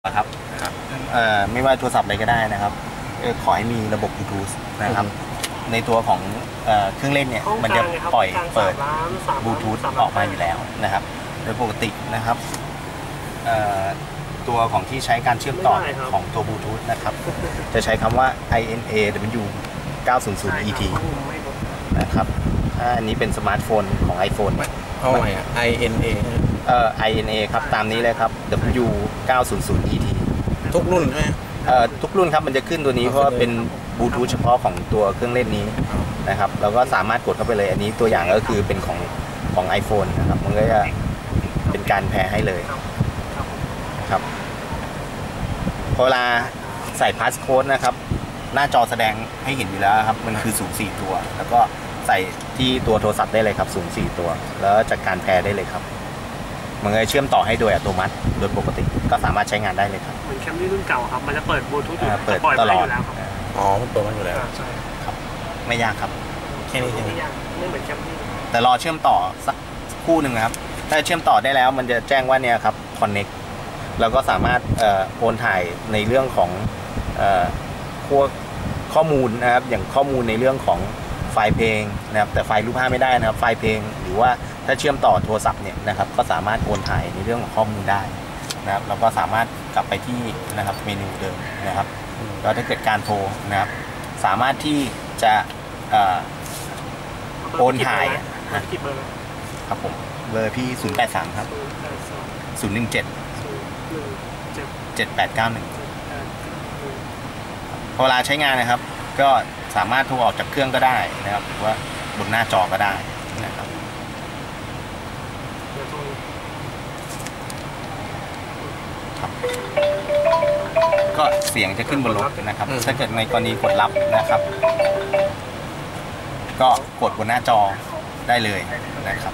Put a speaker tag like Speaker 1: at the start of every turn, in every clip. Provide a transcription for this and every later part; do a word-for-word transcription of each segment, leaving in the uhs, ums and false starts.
Speaker 1: ครับไม่ว่าโทรศัพท์อะไรก็ได้นะครับขอให้มีระบบบลูทูธนะครับในตัวของเครื่องเล่นเนี่ยมันจะปล่อยเปิดบลูทูธออกมาอยู่แล้วนะครับโดยปกตินะครับตัวของที่ใช้การเชื่อมต่อของตัวบลูทูธนะครับจะใช้คำว่า ไอ เอ็น เอ ดับเบิลยู เก้าศูนย์ศูนย์ อี ที นะครับถ้าอันนี้เป็นสมาร์ทโฟนของ iPhone
Speaker 2: เอาไงอ่ะ ไอ เอ็น เอ
Speaker 1: เอ่อ ไอ เอ็น เอ ครับตามนี้เลยครับ ดับเบิลยู เก้าศูนย์ศูนย์ อี ที
Speaker 2: ทุกรุ่นใช่ไหม
Speaker 1: เอ่อทุกรุ่นครับมันจะขึ้นตัวนี้เพราะว่าเป็นบลูทูธเฉพาะของตัวเครื่องเล่นนี้นะครับเราก็สามารถกดเข้าไปเลยอันนี้ตัวอย่างก็คือเป็นของของ iPhone นะครับมันก็จะเป็นการแพร์ให้เลยครับพอเวลาใส่พาสโค้ดนะครับหน้าจอแสดงให้เห็นอยู่แล้วครับมันคือสูงสี่ตัวแล้วก็ใส่ที่ตัวโทรศัพท์ได้เลยครับสูงสี่ตัวแล้วจัดการแพร์ได้เลยครับมันจะเชื่อมต่อให้โดยอัตโนมัติโดยปกติก็สามารถใช้งานได้เลยครับ
Speaker 3: เหมือนแคมรี่รุ่นเก่าครับมันจะเปิดบลูทูธ
Speaker 1: เปิดตลอด
Speaker 2: อ๋อมันเปิดมาอยู่แล้ว
Speaker 3: ใช่
Speaker 1: ครับไม่ยากครับ
Speaker 2: แค่นี้เอง
Speaker 3: ไม่ยากไม่เหมือนแคมรี่
Speaker 1: แต่รอเชื่อมต่อสักคู่หนึ่งครับถ้าเชื่อมต่อได้แล้วมันจะแจ้งว่าเนี่ยครับ connect แล้วก็สามารถโอนถ่ายในเรื่องของพวกข้อมูลนะครับอย่างข้อมูลในเรื่องของไฟล์เพลงนะครับแต่ไฟล์รูปภาพไม่ได้นะครับไฟล์เพลงหรือว่าถ้าเชื่อมต่อโทรศัพท์เนี่ยนะครับก็สามารถโอนถ่ายในเรื่องของข้อมูลได้นะครับเราก็สามารถกลับไปที่นะครับเมนูเดิมนะครับแล้วถ้าเกิดการโทรนะครับสามารถที่จะโอนถ่ายนะครับผมเบอร์พี่ศูนย์แปดสามครับศูนย์หนึ่งเจ็ดเจ็ดแปดเก้าหนึ่งพอเวลาใช้งานนะครับก็สามารถโทรออกจากเครื่องก็ได้นะครับหรือว่าบนหน้าจอก็ได้นะครับก็เสียงจะขึ้นบนรถนะครับถ้าเกิดในกรณีกดรับนะครับก็กดบนหน้าจอได้เลยนะครับ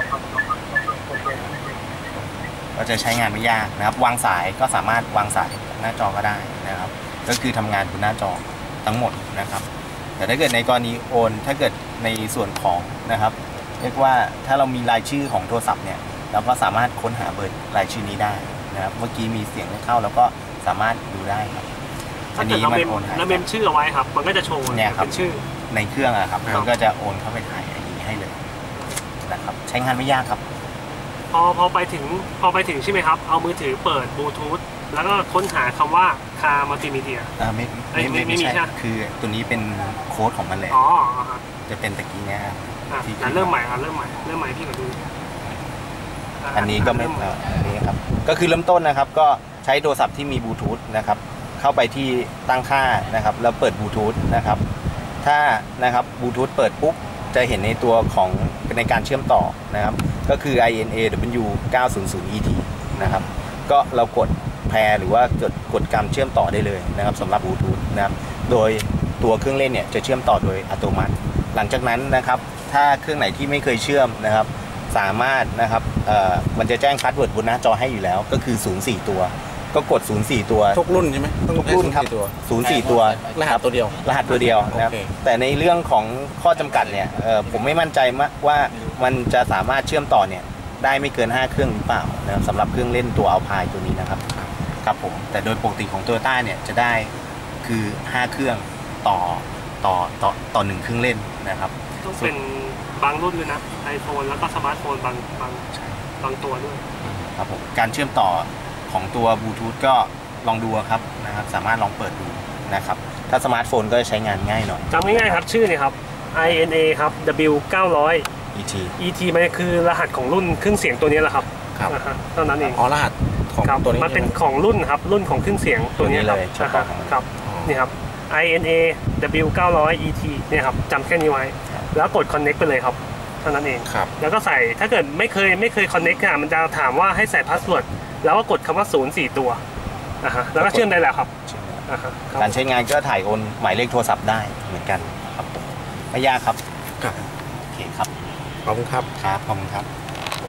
Speaker 1: ก็จะใช้งานไม่ยากนะครับวางสายก็สามารถวางสายหน้าจอก็ได้นะครับก็คือทำงานบนหน้าจอทั้งหมดนะครับแต่ถ้าเกิดในกรณีโอนถ้าเกิดในส่วนของนะครับเรียกว่าถ้าเรามีรายชื่อของโทรศัพท์เนี่ยเราก็สามารถค้นหาเบอร์รายชื่อนี้ได้นะครับเมื่อกี้มีเสียงเข้าแล้วก็สามารถดูได้ครับ
Speaker 3: อันนี้มันโอนให้แล้วเมมชื่อเอาไว้ครับมันก็จะโชว์
Speaker 1: เนี่ยครับ
Speaker 3: ชื่อ
Speaker 1: ในเครื่องอะครับมันก็จะโอนเข้าไปถ่ายอย่างนี้ให้เลยนะครับใช้งานไม่ยากครับ
Speaker 3: พอพอไปถึงพอไปถึงใช่ไหมครับเอามือถือเปิดบลูทูธแล้วก็ค้นหาคำว่าคามัลติมีเดีย
Speaker 1: อ่าไม่ไม่ไม่ไม่ใช่คือตัวนี้เป็นโค้ดของมันเลย
Speaker 3: อ๋อ
Speaker 1: จะเป็นตะกี้เนี้ย
Speaker 3: ที่เริ่มใหม่ครับเริ่มใหม่เริ่มใหม่พี่ก็ดู
Speaker 1: อันนี้ก็ไม่อันนี้ครับก็คือเริ่มต้นนะครับก็ใช้โทรศัพท์ที่มีบลูทูธนะครับเข้าไปที่ตั้งค่านะครับแล้วเปิดบลูทูธนะครับถ้านะครับบลูทูธเปิดปุ๊บจะเห็นในตัวของในการเชื่อมต่อนะครับก็คือ ไอ เอ็น เอ ดับเบิลยู เก้าศูนย์ศูนย์ อี ที นะครับก็เรากดแพร์หรือว่ากดกดการเชื่อมต่อได้เลยนะครับสำหรับบลูทูธนะครับโดยตัวเครื่องเล่นเนี่ยจะเชื่อมต่อโดยอัตโนมัติหลังจากนั้นนะครับถ้าเครื่องไหนที่ไม่เคยเชื่อมนะครับสามารถนะครับเอ่อมันจะแจ้งพาสเวิร์ดบนหน้าจอให้อยู่แล้วก็คือศูนย์ สี่ตัวก็กดศูนย์ สี่ตัว
Speaker 2: ทุกรุ่นใช่ไหม
Speaker 1: ทุกรุ่นครับศูนย์ สี่ตัว
Speaker 2: รหัสตัวเดียว
Speaker 1: รหัสตัวเดียวนะครับแต่ในเรื่องของข้อจำกัดเนี่ยผมไม่มั่นใจว่ามันจะสามารถเชื่อมต่อเนี่ยได้ไม่เกินห้าเครื่องหรือเปล่านะครับสำหรับเครื่องเล่นตัวอัลพายตัวนี้นะครับครับผมแต่โดยปกติของ Toyota เนี่ยจะได้คือห้าเครื่องต่อต่อต่อต่อหนึ่งเครื่องเล่นนะครับ
Speaker 3: ต้องเป็นบางรุ่นด้วยนะ iPhone แล้วก็สมาร์ทโฟนบางบางบางตัวด้วย
Speaker 1: ครับผมการเชื่อมต่อของตัวบลูทูธก็ลองดูครับนะครับสามารถลองเปิดดูนะครับถ้าสมาร์ทโฟนก็จะใช้งานง่ายหน่อย
Speaker 3: จำง่ายๆครับชื่อนี่ครับ ไอ เอ็น เอ ครับ ดับเบิลยู เก้าร้อย
Speaker 1: อี ที
Speaker 3: อี ที มันคือรหัสของรุ่นเครื่องเสียงตัวนี้แหละครับ
Speaker 2: ครับ
Speaker 3: เท่านั้นเอง
Speaker 2: อ๋อรหัสของตัวนี้
Speaker 3: มันเป็นของรุ่นครับรุ่นของเครื่องเสียงตัวนี้
Speaker 1: เลย
Speaker 3: ครับนี่ครับ ไอ เอ็น เอ ดับเบิลยู เก้าร้อย อี ที เนี่ยครับจำแค่นี้ไว้แล้วกด connect ไปเลยครับเท่านั้นเองแล้วก็ใส่ถ้าเกิดไม่เคยไม่เคย connect อ่ะมันจะถามว่าให้ใส่พาสเวิร์ดแล้วก็กดคำว่าศูนย์ สี่ตัวอ่าฮะแล้วก็เชื่อมได้แล้วครับ
Speaker 1: การใช้งานก็ถ่ายโอนหมายเลขโทรศัพท์ได้เหมือนกันครับไม่ยากครับ
Speaker 2: ครับ
Speaker 1: โอเคครับ
Speaker 2: ขอบคุณครับ
Speaker 1: ครับขอบคุณครับ